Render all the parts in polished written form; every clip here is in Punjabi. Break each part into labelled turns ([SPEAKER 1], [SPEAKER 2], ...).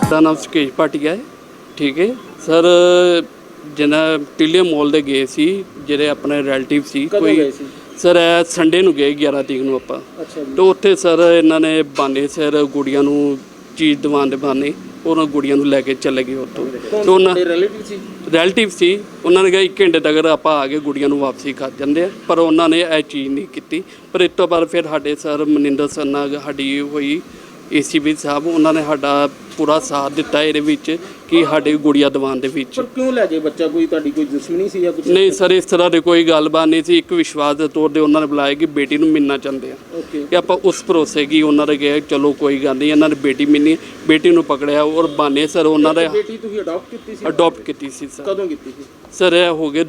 [SPEAKER 1] ਦਾ ਨਾਮ ਸੁਕੇਸ਼ ਭਾਟੀਆ ਹੈ। ਠੀਕ ਹੈ ਸਰ, ਜਿੰਨਾ ਟਿਲੀਅਮ ਮੋਲ ਦੇ ਗਏ ਸੀ ਜਿਹੜੇ ਆਪਣੇ ਰਿਲੇਟਿਵ ਸੀ ਕੋਈ ਸਰ ਸੰਡੇ ਨੂੰ ਗਏ 11 ਤਰੀਕ ਨੂੰ ਆਪਾਂ। ਤੇ ਉੱਥੇ ਸਰ ਇਹਨਾਂ ਨੇ ਬਾਨੇ ਸਿਰ ਗੁੜੀਆਂ ਨੂੰ ਚੀਜ਼ ਦਿਵਾਉਣ ਦੇ ਬਾਨੇ ਉਹਨਾਂ ਗੁੜੀਆਂ ਨੂੰ ਲੈ ਕੇ ਚਲੇ ਗਏ ਉੱਥੋਂ। ਤੇ ਉਹਨਾਂ ਰਿਲੇਟਿਵ ਸੀ ਉਹਨਾਂ ਨੇ ਕਿਹਾ 1 ਘੰਟੇ ਤੱਕ ਆਪਾਂ ਆ ਕੇ ਗੁੜੀਆਂ ਨੂੰ ਵਾਪਸੀ ਕਰ ਜਾਂਦੇ ਆ, ਪਰ ਉਹਨਾਂ ਨੇ ਇਹ ਚੀਜ਼ ਨਹੀਂ ਕੀਤੀ। ਪਰ ਇਸ ਤੋਂ ਬਾਅਦ ਫਿਰ ਸਾਡੇ ਸਰ ਮਨਿੰਦਰ ਸਰ ਨਾਲ ਸਾਡੀ ਹੋਈ ACP ਸਾਹਿਬ, ਉਹਨਾਂ ਨੇ ਸਾਡਾ ਪੂਰਾ ਸਾਥ ਦਿੱਤਾ ਇਹਦੇ ਵਿੱਚ ਕਿ ਸਾਡੇ ਗੁੜੀਆ ਦੀਵਾਨ ਦੇ ਵਿੱਚ।
[SPEAKER 2] ਪਰ ਕਿਉਂ ਲੈ ਗਏ ਬੱਚਾ? ਕੋਈ ਤੁਹਾਡੀ ਕੋਈ ਦੁਸ਼ਮਣੀ ਸੀ ਜਾਂ ਕੁਝ?
[SPEAKER 1] ਨਹੀਂ ਸਰ, ਇਸ ਤਰ੍ਹਾਂ ਦੀ ਕੋਈ ਗੱਲਬਾਤ ਨਹੀਂ ਸੀ। ਇੱਕ ਵਿਸ਼ਵਾਸ ਦੇ ਤੌਰ 'ਤੇ ਉਹਨਾਂ ਨੇ ਬੁਲਾਇਆ ਕਿ ਬੇਟੀ ਨੂੰ ਮਿਲਣਾ ਚਾਹੁੰਦੇ ਆ ਕਿ ਆਪਾਂ ਉਸ ਭਰੋਸੇ ਕਿ ਉਹਨਾਂ ਨੇ ਕਿਹਾ ਚਲੋ ਕੋਈ ਗੱਲ ਨਹੀਂ, ਇਹਨਾਂ ਨੇ ਬੇਟੀ ਮਿਲਣੀ, ਬੇਟੀ ਨੂੰ ਪਕੜਿਆ। ਔਰ ਬਾਨੇ ਸਰ ਉਹਨਾਂ ਦੇ
[SPEAKER 2] ਬੇਟੀ ਤੁਸੀਂ ਅਡਾਪਟ ਕੀਤੀ ਸੀ?
[SPEAKER 1] ਅਡਾਪਟ ਕੀਤੀ ਸੀ ਸਰ।
[SPEAKER 2] ਕਦੋਂ ਕੀਤੀ ਸੀ
[SPEAKER 1] ਸਰ? ਇਹ ਹੋ ਗਏ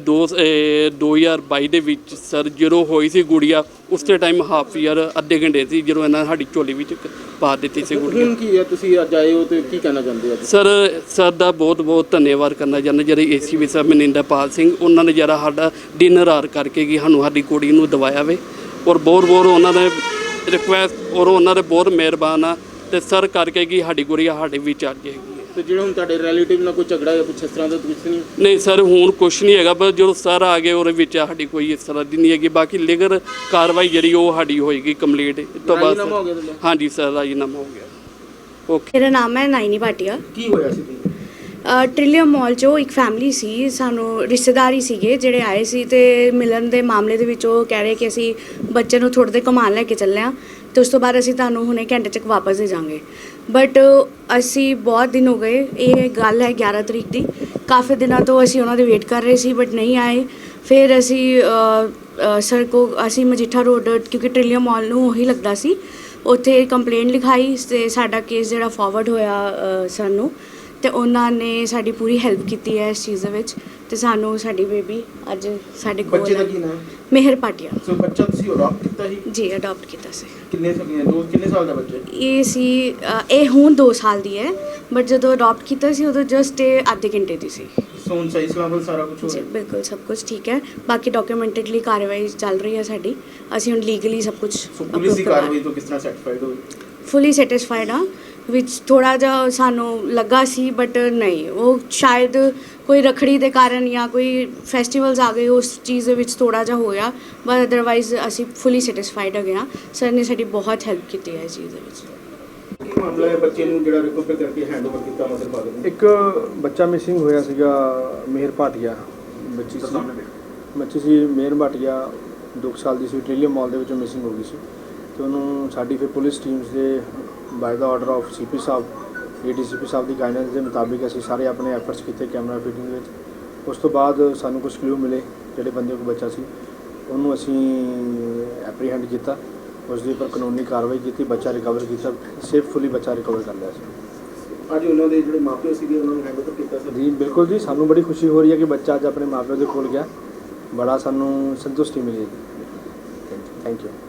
[SPEAKER 1] 2022 ਦੇ ਵਿੱਚ ਸਰ, ਜਦੋਂ ਹੋਈ ਸੀ ਗੁੜੀਆ ਉਸੇ ਟਾਈਮ ਹਾਫ ਈਅਰ ਅੱਧੇ ਘੰਟੇ ਸੀ ਜਦੋਂ ਇਹਨਾਂ ਨੇ ਸਾਡੀ ਝੋਲੀ ਵਿੱਚ ਪਾ ਦਿੱਤੀ ਸੀ ਗੁੜੀਆ।
[SPEAKER 2] ਹੁਣ ਕੀ ਹੈ, ਤੁਸੀਂ ਅੱਜ ਆਏ ਹੋ ਤੇ ਕੀ ਕਹਿਣਾ ਚਾਹੁੰਦੇ ਹੋ?
[SPEAKER 1] ਸਰ ਦਾ ਬਹੁਤ ਬਹੁਤ ਧੰਨਵਾਦ ਕਰਨਾ ਚਾਹੁੰਦੇ ਜਿਹੜੇ ACP ਸਾਹਿਬ ਮਨਿੰਦਰਪਾਲ ਸਿੰਘ, ਉਹਨਾਂ ਨੇ ਜਿਹੜਾ ਸਾਡਾ ਡਿਨਰ ਆਰ ਕਰਕੇ ਕਿ ਸਾਨੂੰ ਸਾਡੀ ਕੁੜੀ ਨੂੰ ਦਵਾਇਆ ਵੇ। ਔਰ ਬਹੁਤ ਉਹਨਾਂ ਨੇ ਰਿਕੁਐਸਟ ਔਰ ਉਹਨਾਂ ਦੇ ਬਹੁਤ ਮਿਹਰਬਾਨ ਆ ਤੇ ਸਰ ਕਰਕੇ ਕਿ ਸਾਡੀ ਗੁੜੀਆ ਸਾਡੇ ਵਿੱਚ ਆ ਜਾਏਗੀ।
[SPEAKER 2] ਤੇ ਜਿਹੜੇ ਹੁਣ ਤੁਹਾਡੇ ਰਿਲੇਟਿਵ ਨਾਲ ਕੋਈ ਝਗੜਾ ਜਾਂ ਕੁਛ ਇਸ ਤਰ੍ਹਾਂ ਦਾ ਕੁਛ ਨਹੀਂ?
[SPEAKER 1] ਨਹੀਂ ਸਰ, ਹੁਣ ਕੁਛ ਨਹੀਂ ਹੈਗਾ, ਬਸ ਜਦੋਂ ਸਰ ਆ ਗਏ ਉਹਦੇ ਵਿੱਚ ਸਾਡੀ ਕੋਈ ਇਸ ਤਰ੍ਹਾਂ ਦੀ ਨਹੀਂ ਹੈਗੀ। ਬਾਕੀ ਲੀਗਲ ਕਾਰਵਾਈ ਜਿਹੜੀ ਉਹ ਸਾਡੀ ਹੋਏਗੀ ਕੰਪਲੀਟ। ਇਸ ਤੋਂ ਬਾਅਦ ਹਾਂਜੀ ਸਰ, ਰਾਜੀਨਾਮਾ ਹੋ ਗਿਆ। ਓਕੇ।
[SPEAKER 3] ਮੇਰਾ ਨਾਮ ਹੈ ਨਾਇਨੀ ਭਾਟੀਆ।
[SPEAKER 2] ਕੀ ਹੋਇਆ ਸੀ?
[SPEAKER 3] ਟ੍ਰਿਲੀਅਮ ਮਾਲ 'ਚੋਂ ਇੱਕ ਫੈਮਿਲੀ ਸੀ, ਸਾਨੂੰ ਰਿਸ਼ਤੇਦਾਰੀ ਸੀਗੇ ਜਿਹੜੇ ਆਏ ਸੀ ਤੇ ਮਿਲਣ ਦੇ ਮਾਮਲੇ ਦੇ ਵਿੱਚ ਉਹ ਕਹਿ ਰਹੇ ਕਿ ਅਸੀਂ ਬੱਚੇ ਨੂੰ ਥੋੜ੍ਹੇ ਦੇ ਘੁਮਾਉਣ ਲੈ ਕੇ ਚੱਲੇ ਹਾਂ ਤੇ ਉਸ ਤੋਂ ਬਾਅਦ ਅਸੀਂ ਤੁਹਾਨੂੰ ਹੁਣੇ ਘੰਟੇ 'ਚ ਵਾਪਸ ਦੇ ਜਾਵਾਂਗੇ। ਬਟ ਅਸੀਂ ਬਹੁਤ ਦਿਨ ਹੋ ਗਏ, ਇਹ ਗੱਲ ਹੈ 11 ਤਰੀਕ ਦੀ, ਕਾਫੀ ਦਿਨਾਂ ਤੋਂ ਅਸੀਂ ਉਹਨਾਂ ਦੇ ਵੇਟ ਕਰ ਰਹੇ ਸੀ ਬਟ ਨਹੀਂ ਆਏ। ਫਿਰ ਅਸੀਂ ਸਰ ਕੋ ਅਸੀਂ ਮਜੀਠਾ ਰੋਡ, ਕਿਉਂਕਿ ਟ੍ਰਿਲੀਅਮ ਮਾਲ ਨੂੰ ਉਹੀ ਲੱਗਦਾ ਸੀ, ਉੱਥੇ ਕੰਪਲੇਂਟ ਲਿਖਾਈ ਤੇ ਸਾਡਾ ਕੇਸ ਜਿਹੜਾ ਫਾਰਵਰਡ ਹੋਇਆ ਸਾਨੂੰ, ਤੇ ਉਹਨਾਂ ਨੇ ਸਾਡੀ ਪੂਰੀ ਹੈਲਪ ਕੀਤੀ ਹੈ ਇਸ ਚੀਜ਼ ਦੇ ਵਿੱਚ ਤੇ ਸਾਨੂੰ ਸਾਡੀ ਬੇਬੀ ਅੱਜ ਸਾਡੇ ਕੋਲ।
[SPEAKER 2] ਬੱਚੇ ਦਾ ਕੀ ਨਾਮ?
[SPEAKER 3] ਮਿਹਰ ਭਾਟੀਆ।
[SPEAKER 2] ਸੋ ਬੱਚਾ ਤੁਸੀਂ ਅਡਾਪਟ ਕੀਤਾ ਸੀ?
[SPEAKER 3] ਜੀ ਅਡਾਪਟ ਕੀਤਾ ਸੀ।
[SPEAKER 2] ਕਿੰਨੇ ਸਾਲ ਦਾ ਬੱਚਾ?
[SPEAKER 3] ਇਹ ਹੁਣ 2 ਸਾਲ ਦੀ ਹੈ ਬਟ ਜਦੋਂ ਅਡਾਪਟ ਕੀਤਾ ਸੀ ਉਦੋਂ ਜਸਟ ਇਹ ਅੱਧੇ ਘੰਟੇ ਦੀ ਸੀ।
[SPEAKER 2] ਸੋਨ ਸਹੀ ਸਲਾਮਤ ਸਾਰਾ ਕੁਝ ਹੋ
[SPEAKER 3] ਜੀ
[SPEAKER 2] ਰਿਹਾ?
[SPEAKER 3] ਬਿਲਕੁਲ ਸਭ ਕੁਝ ਠੀਕ ਹੈ। ਬਾਕੀ ਡਾਕੂਮੈਂਟਡਲੀ ਕਾਰਵਾਈ ਚੱਲ ਰਹੀ ਹੈ ਸਾਡੀ, ਅਸੀਂ ਹੁਣ ਲੀਗਲੀ ਸਭ ਕੁਝ।
[SPEAKER 2] ਪੁਲਿਸ ਦੀ ਕਾਰਵਾਈ ਤੋਂ ਕਿਸ ਤਰ੍ਹਾਂ ਸੈਟੀਸਫਾਈਡ ਹੋ?
[SPEAKER 3] ਫੁੱਲੀ ਸੈਟਿਸਫਾਈਡ ਹਾਂ। ਵਿੱਚ ਥੋੜ੍ਹਾ ਜਿਹਾ ਸਾਨੂੰ ਲੱਗਾ ਸੀ ਬਟ ਨਹੀਂ, ਉਹ ਸ਼ਾਇਦ ਕੋਈ ਰੱਖੜੀ ਦੇ ਕਾਰਨ ਜਾਂ ਕੋਈ ਫੈਸਟੀਵਲਸ ਆ ਗਏ ਉਸ ਚੀਜ਼ ਦੇ ਵਿੱਚ ਥੋੜ੍ਹਾ ਜਿਹਾ ਹੋਇਆ, ਬਟ ਅਦਰਵਾਈਜ਼ ਅਸੀਂ ਫੁੱਲੀ ਸੈਟਿਸਫਾਈਡ ਹੈਗੇ ਹਾਂ। ਸਰ ਨੇ ਸਾਡੀ ਬਹੁਤ ਹੈਲਪ ਕੀਤੀ ਹੈ ਇਸ ਚੀਜ਼ ਦੇ ਵਿੱਚ।
[SPEAKER 2] ਕੀ ਮਾਮਲਾ ਹੈ ਬੱਚੇ ਨੂੰ ਜਿਹੜਾ ਰਿਕਵਰ ਕਰਕੇ ਹੈਂਡਓਵਰ ਕੀਤਾ ਮਦਰ ਫਾਦਰ ਨੇ?
[SPEAKER 4] ਇੱਕ ਬੱਚਾ ਮਿਸਿੰਗ ਹੋਇਆ ਸੀਗਾ, ਮਿਹਰ ਭਾਟੀਆ ਬੱਚੀ ਸੀ ਮਿਹਰ ਭਾਟੀਆ 2 ਸਾਲ ਦੀ ਸੀ, ਟ੍ਰਿਲੀਅਮ ਮਾਲ ਦੇ ਵਿੱਚੋਂ ਮਿਸਿੰਗ ਹੋ ਗਈ ਸੀ। ਤੇ ਉਹਨੂੰ ਸਾਡੀ ਫਿਰ ਪੁਲਿਸ ਟੀਮਸ ਦੇ ਬਾਈ ਦਾ ਆਰਡਰ ਆਫ CP ਸਾਹਿਬ, ADCP ਸਾਹਿਬ ਦੀ ਗਾਈਡੈਂਸ ਦੇ ਮੁਤਾਬਿਕ ਅਸੀਂ ਸਾਰੇ ਆਪਣੇ ਐਫਰਟਸ ਕੀਤੇ ਕੈਮਰਾ ਫਿਟਿੰਗ ਦੇ ਵਿੱਚ। ਉਸ ਤੋਂ ਬਾਅਦ ਸਾਨੂੰ ਕੁਝ ਕਲੂ ਮਿਲੇ, ਜਿਹੜੇ ਬੰਦੇ ਕੋਲ ਬੱਚਾ ਸੀ ਉਹਨੂੰ ਅਸੀਂ ਐਪਰੀਹੈਂਡ ਕੀਤਾ, ਉਸ ਦੇ ਉੱਪਰ ਕਾਨੂੰਨੀ ਕਾਰਵਾਈ ਕੀਤੀ, ਬੱਚਾ ਰਿਕਵਰ ਕੀਤਾ, ਸੇਫਫੁਲੀ ਬੱਚਾ ਰਿਕਵਰ ਕਰ ਲਿਆ ਸੀ।
[SPEAKER 2] ਅੱਜ ਉਹਨਾਂ ਦੇ ਜਿਹੜੇ ਮਾਪੇ ਸੀਗੇ ਉਹਨਾਂ ਨੂੰ ਹੈਂਡਓਵਰ ਕੀਤਾ ਸੀ?
[SPEAKER 4] ਜੀ ਬਿਲਕੁਲ ਜੀ, ਸਾਨੂੰ ਬੜੀ ਖੁਸ਼ੀ ਹੋ ਰਹੀ ਹੈ ਕਿ ਬੱਚਾ ਅੱਜ ਆਪਣੇ ਮਾਪਿਆਂ ਦੇ ਕੋਲ ਗਿਆ, ਬੜਾ ਸਾਨੂੰ ਸੰਤੁਸ਼ਟੀ ਮਿਲੀ ਹੈ। Thank you.